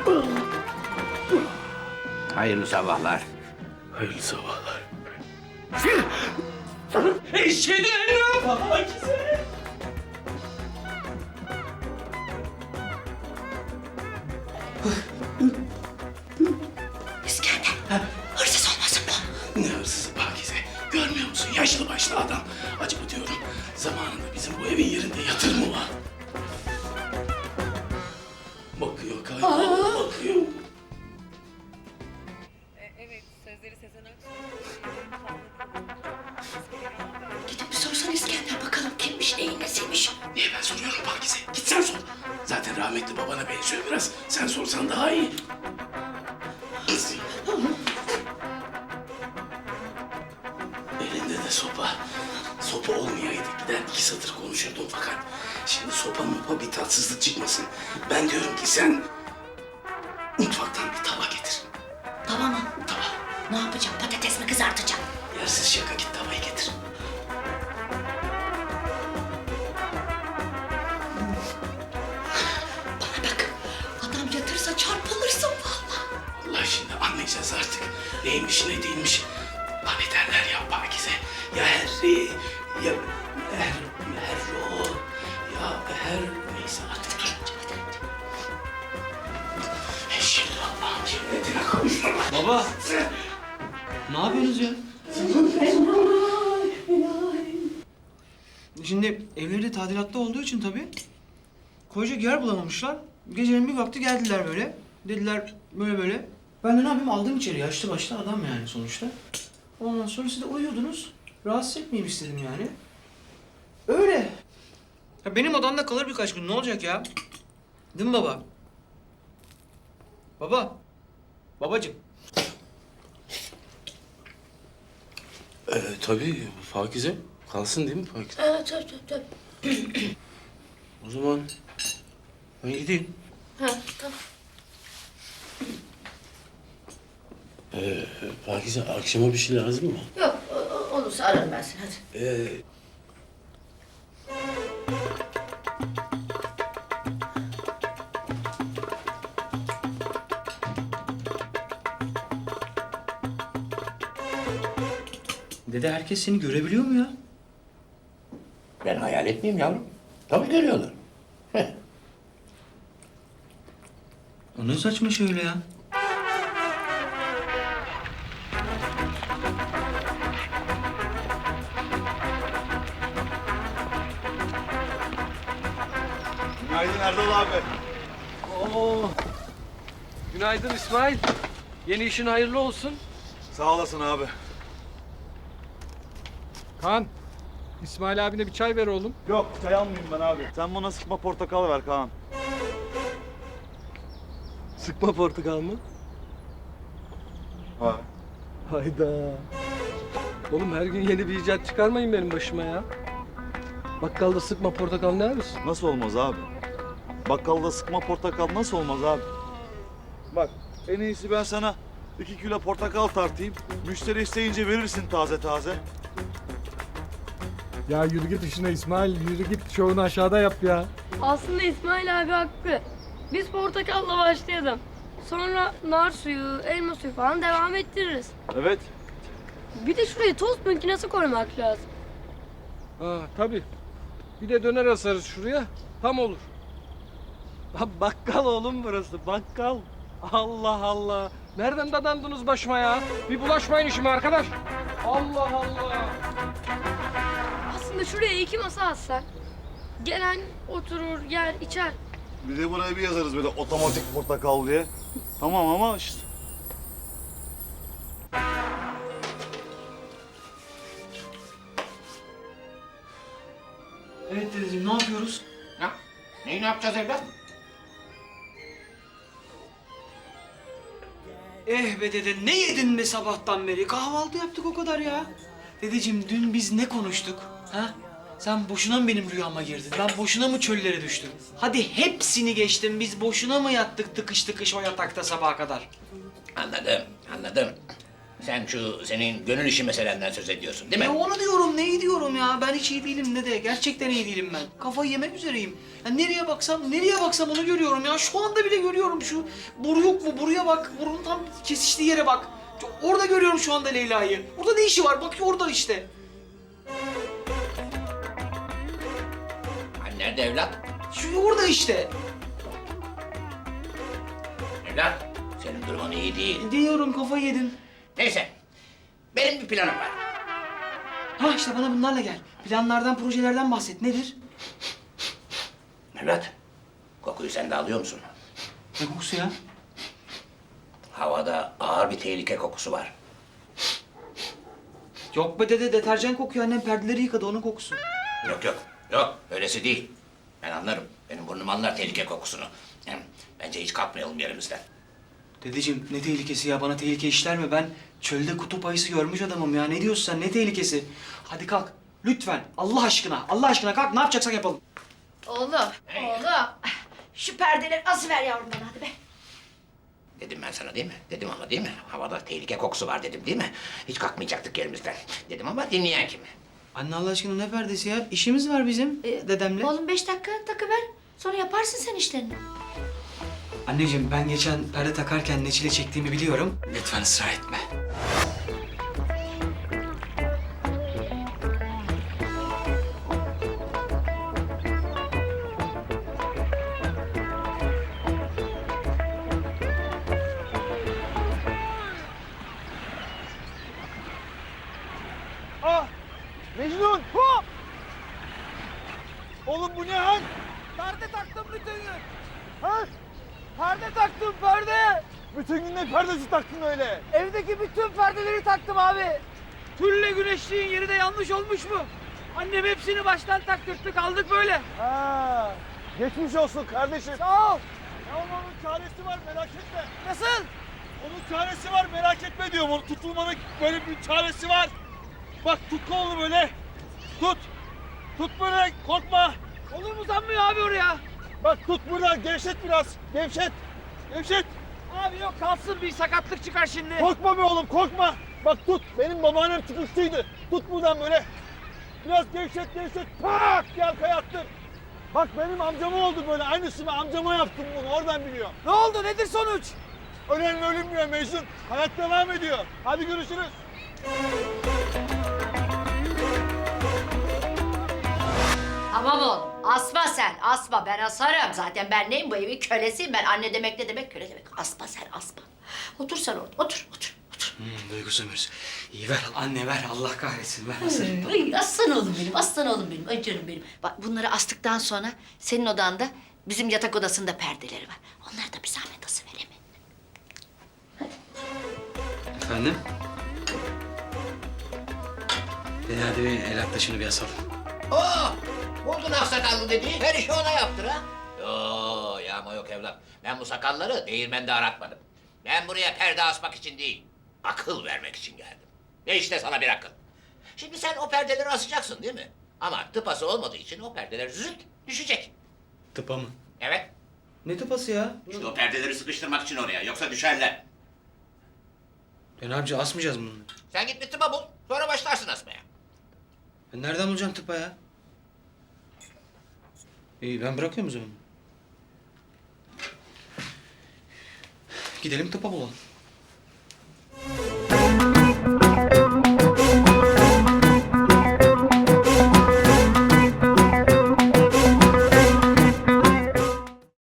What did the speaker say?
Hayırlı sabahlar. Hayırlı sabahlar. Eşhedü en la Pakize. İskender, hırsız olmasın bu? Ne hırsızı Pakize? Görmüyor musun? Yaşlı başlı adam. Acaba diyorum zamanında bizim bu evin yerinde yatır mı var? Bakıyor kaybol, bakıyor. Evet, sözleri Sezen Aksu. Gidip bir sorsan İskender bakalım kimmiş neyin nesiymiş. Niye ben soruyorum Pakize? Git sen sor. Zaten rahmetli babana benziyor biraz. Sen sorsan daha iyi. Elinde de sopa. Sopa olmayaydı gider iki satır konuşurdum fakat şimdi sopa mopa bir tatsızlık çıkmasın. Ben diyorum ki sen mutfaktan bir tava getir. Tamam mı? Tava. Ne yapacağım? Patates mi kızartacağım? Yersiz şaka git tavayı getir. Bana bak. Adam yatırsa çarpılırsın vallahi. Allah şimdi anlayacağız artık. Neymiş ne değilmiş. Hani derler ya Pakize. Ya Harry ya Herro ya Her neyse artık dur. Şimdi Allah'ım cennetine kavuştum. Baba. Ne yapıyorsunuz ya? Şimdi evleri tadilatta olduğu için tabii koyacak yer bulamamışlar. Gecenin bir vakti geldiler böyle. Dediler böyle böyle. Ben de ne yapayım aldım içeri. Yaşlı başlı adam yani sonuçta. Ondan sonra siz de uyuyordunuz. Rahatsız etmeyeyim istedim yani. Öyle. Ya benim odamda kalır birkaç gün. Ne olacak ya? Değil mi baba? Baba. Babacığım. Tabii Pakize. Kalsın değil mi Pakize? Evet, tabii. O zaman ben gideyim. Ha, tamam. Pakize akşama bir şey lazım mı? Yok, olursa ararım ben seni hadi. Dede herkes seni görebiliyor mu ya? Ben hayal etmeyeyim yavrum. Tabii görüyorlar. O ne saçma şey öyle ya? Günaydın Erdal abi. Oo. Günaydın İsmail. Yeni işin hayırlı olsun. Sağ olasın abi. Kaan, İsmail abine bir çay ver oğlum. Yok çay almayayım ben abi. Sen bana sıkma portakal ver Kaan. Sıkma portakal mı? Ha. Hayda. Oğlum her gün yeni bir icat çıkarmayın benim başıma ya. Bakkalda sıkma portakal ne arıyorsun? Nasıl olmaz abi? Bakkalda sıkma portakal nasıl olmaz abi? Bak en iyisi ben sana 2 kilo portakal tartayım. Müşteri isteyince verirsin taze taze. Ya yürü git işine İsmail, yürü git şovunu aşağıda yap ya. Aslında İsmail abi haklı. Biz portakalla başlayalım. Sonra nar suyu, elma suyu falan devam ettiririz. Evet. Bir de şuraya tost makinesi koymak lazım. Ha tabii. Bir de döner asarız şuraya, tam olur. Ha, bakkal oğlum burası, bakkal. Allah Allah. Nereden dadandınız başıma ya? Bir bulaşmayın işime arkadaş. Allah Allah. Aslında şuraya 2 masa atsak. Gelen oturur, yer, içer. Bir de buraya bir yazarız böyle otomatik portakal diye. Tamam ama işte. Evet dedeciğim ne yapıyoruz? Ne yapacağız evlat? Be dede ne yedin be sabahtan beri? Kahvaltı yaptık o kadar ya. Dedeciğim dün biz ne konuştuk? Ha? Sen boşuna mı benim rüyama girdin? Ben boşuna mı çöllere düştüm? Hadi hepsini geçtim. Biz boşuna mı yattık tıkış tıkış o yatakta sabaha kadar? Anladım, anladım. Sen şu senin gönül işi meselenden söz ediyorsun değil mi? Ya onu diyorum, neyi diyorum ya? Ben hiç iyi değilim dede. Gerçekten iyi değilim ben. Kafayı yemek üzereyim. Ya nereye baksam onu görüyorum ya. Şu anda bile görüyorum şu. Boru yok mu? Boruya bak. Borunun tam kesiştiği yere bak. Orada görüyorum şu anda Leyla'yı. Orada ne işi var? Bak orada işte. Hani nerede evlat? Şu orada işte. Evlat, senin durumun iyi değil. Diyorum, kafayı yedim. Neyse, benim bir planım var. Ha işte bana bunlarla gel. Planlardan, projelerden bahset. Nedir? Evlat, kokuyu sen de alıyor musun? Ne kokusu ya? Havada ağır bir tehlike kokusu var. Yok be dede, deterjan kokuyor. Annem perdeleri yıkadı, onun kokusu. Yok, öylesi değil. Ben anlarım, benim burnum anlar tehlike kokusunu. Hem bence hiç kalkmayalım yerimizden. Dedeciğim ne tehlikesi ya? Bana tehlike işler mi? Ben çölde kutup ayısı görmüş adamım ya. Ne diyorsun sen? Ne tehlikesi? Hadi kalk. Lütfen. Allah aşkına. Allah aşkına kalk. Ne yapacaksak yapalım. Oğlum, şu perdeleri asıver yavrum bana hadi be. Dedim ben sana değil mi? Dedim ama değil mi? Havada tehlike kokusu var dedim değil mi? Hiç kalkmayacaktık yerimizden. Dedim ama dinleyen kim? Anne Allah aşkına ne perdesi ya? İşimiz var bizim dedemle. Oğlum 5 dakika takıver. Sonra yaparsın sen işlerini. Anneciğim ben geçen perde takarken ne çile çektiğimi biliyorum. Lütfen ısrar etme. Ah! Mecnun! Hop! Oğlum bu ne hal? Perde taktım bütün gün. Ha? Perde taktım perde. Bütün gün ne perdesi taktın öyle? Evdeki bütün perdeleri taktım abi. Tülle güneşliğin yeri de yanlış olmuş mu? Annem hepsini baştan taktırttı kaldık böyle. Ha, geçmiş olsun kardeşim. Sağ ol. Ya onun çaresi var merak etme. Nasıl? Onun çaresi var merak etme diyorum. Onun tutulmanın böyle bir çaresi var. Bak tut kolunu böyle. Tut. Tut böyle korkma. Kolum uzanmıyor abi oraya. Bak tut buradan gevşet biraz. Gevşet. Gevşet. Abi yok kalsın bir sakatlık çıkar şimdi. Korkma be oğlum korkma. Bak tut. Benim babaannem çıkıştıydı. Tut buradan böyle. Biraz gevşet gevşet. Tak diye arkaya attın. Bak benim amcama oldu böyle. Aynısını amcama yaptım bunu. Oradan biliyorum. Ne oldu nedir sonuç? Ölen ölünmüyor Mecnun. Hayat devam ediyor. Hadi görüşürüz. Tamam oğlum. Asma sen, asma. Ben asarım. Zaten ben neyim bu evin kölesiyim. Ben anne demek ne demek, köle demek. Asma sen, asma. Otur sen orada, otur. Duygu Sömür. İyi ver anne ver. Allah kahretsin. Ver asarım. Ay, aslan oğlum benim, aslan oğlum benim. Ay canım benim. Bak bunları astıktan sonra senin odanda bizim yatak odasında perdeleri var. Onları da bir zahmet asıver mi? Efendim? Hadi bir el at da şunu bir asalım. Buldun aksakallı dediği her işi ona yaptır ha. Yağma yok evlat. Ben bu sakalları değirmende aratmadım. Ben buraya perde asmak için değil, akıl vermek için geldim. Ve işte sana bir akıl. Şimdi sen o perdeleri asacaksın değil mi? Ama tıpası olmadığı için o perdeler zıt düşecek. Tıpa mı? Evet. Ne tıpası ya? İşte o perdeleri sıkıştırmak için oraya. Yoksa düşerler. Ne yapacağız? Asmayacağız mı bunu? Sen git bir tıpa bul. Sonra başlarsın asmaya. Ben nereden bulacağım tıpa ya? İyi ben bırakıyorum o zaman. Gidelim tıpa bulalım.